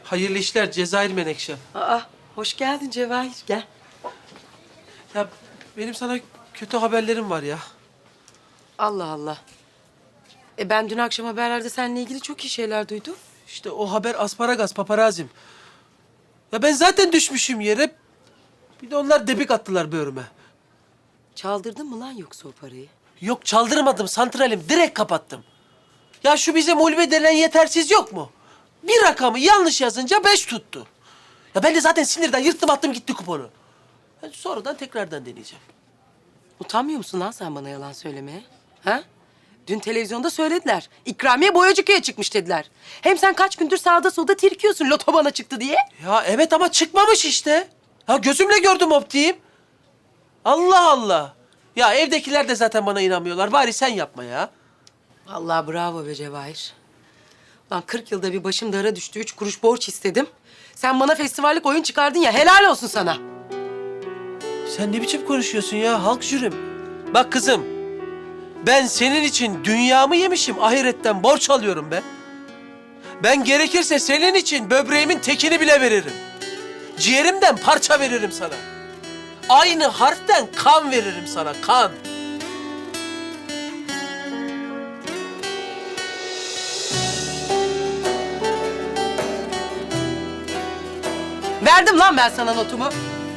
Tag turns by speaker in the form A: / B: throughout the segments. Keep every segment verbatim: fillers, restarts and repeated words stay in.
A: Hayırlı işler Cezayir Menekşe.
B: Aa, hoş geldin Cevahir, gel.
A: Ya benim sana kötü haberlerim var ya.
B: Allah Allah. E ben dün akşam haberlerde seninle ilgili çok iyi şeyler duydum.
A: İşte o haber asparagas paparazim. Ya ben zaten düşmüşüm yere. Bir de onlar debik attılar böğrüme.
B: Çaldırdın mı lan yoksa o parayı?
A: Yok çaldırmadım santralim direkt kapattım. Ya şu bizim ulve denen yetersiz yok mu? Bir rakamı yanlış yazınca beş tuttu. Ya ben de zaten sinirden yırttım attım gitti kuponu. Ben sonradan tekrardan deneyeceğim.
B: Utanmıyor musun lan sen bana yalan söylemeye? Ha? Dün televizyonda söylediler. İkramiye Boyacıköy'e çıkmış dediler. Hem sen kaç gündür sağda solda tirkiyorsun loto bana çıktı diye.
A: Ya evet ama çıkmamış işte. Ya gözümle gördüm optiğim. Allah Allah. Ya evdekiler de zaten bana inanmıyorlar. Bari sen yapma ya.
B: Vallahi bravo be Cevahir. Lan kırk yılda bir başım dara düştü. Üç kuruş borç istedim. Sen bana festivallik oyun çıkardın ya. Helal olsun sana.
A: Sen ne biçim konuşuyorsun ya halk jürim? Bak kızım, ben senin için dünyamı yemişim, ahiretten borç alıyorum be. Ben gerekirse senin için böbreğimin tekini bile veririm. Ciğerimden parça veririm sana. Aynı harften kan veririm sana, kan.
B: Verdim lan ben sana notumu.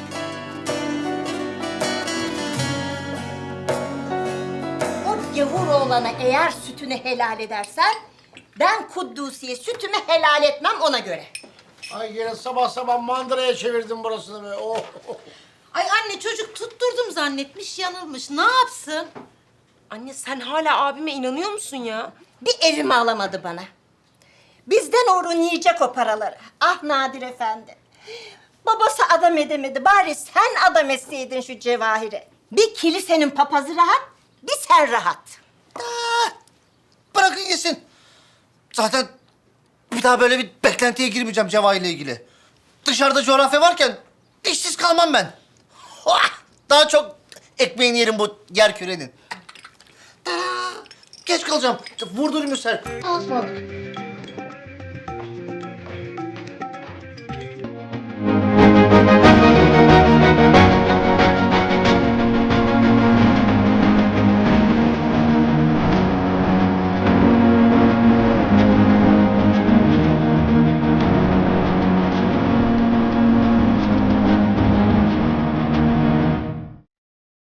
C: O gavur oğlana eğer sütünü helal edersen... ...ben Kuddusi'ye sütümü helal etmem ona göre.
D: Ay yine sabah sabah mandıraya çevirdim burasını be. Oh.
E: Ay anne çocuk tutturdum zannetmiş, yanılmış. Ne yapsın?
B: Anne sen hala abime inanıyor musun ya?
C: Bir evimi alamadı bana. Bizden uğrun yiyecek o paraları. Ah Nadir Efendi. Babası adam edemedi. Bari sen adam etseydin şu Cevahir'e. Bir kilisenin papazı rahat, bir sen rahat.
D: Ah, bırakın gitsin. Zaten bir daha böyle bir beklentiye girmeyeceğim Cevahir'le ilgili. Dışarıda coğrafya varken işsiz kalmam ben. Oh, daha çok ekmeğini yerim bu yer kürenin. Ah, geç kalacağım. Vurdurayım sen. Asma.